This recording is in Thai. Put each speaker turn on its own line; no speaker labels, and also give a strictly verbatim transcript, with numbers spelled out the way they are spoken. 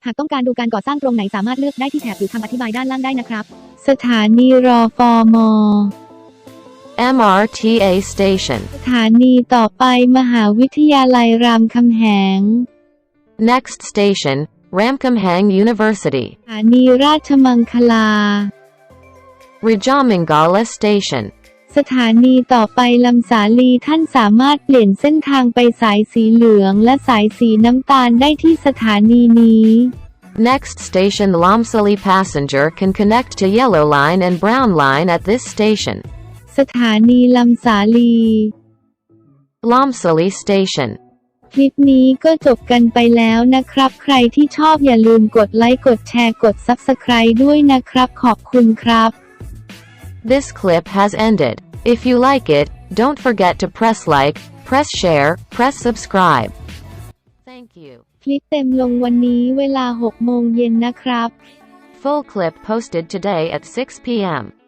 หากต้องการดูการก่อสร้างตรงไหนสามารถเลือกได้ที่แถบหรือคำอธิบายด้านล่างได้นะครับ
สถานีรอฟอมอ
M R T A station
สถานีต่อไปมหาวิทยาลัยรามคำแหง
Next station Ramkhamhaeng University
สถานีราชมังคลา
Rajamangala station
สถานีต่อไปลำสาลีท่านสามารถเปลี่ยนเส้นทางไปสายสีเหลืองและสายสีน้ำตาลได้ที่สถานีนี้
Next station Lomsali passenger can connect to Yellow Line and Brown Line at this station
สถานีลำสาลี
Lomsali station
คลิปนี้ก็จบกันไปแล้วนะครับใครที่ชอบอย่าลืมกดไลค์กดแชร์กด ซับสไครบ์ ด้วยนะครับขอบคุณครับ
This clip has ended. If you like it, don't forget to press like, press share, press subscribe. Thank you.
คลิปเต็มลงวันนี้เวลาหกโมงเย็นนะครับ
Full clip posted today at six p m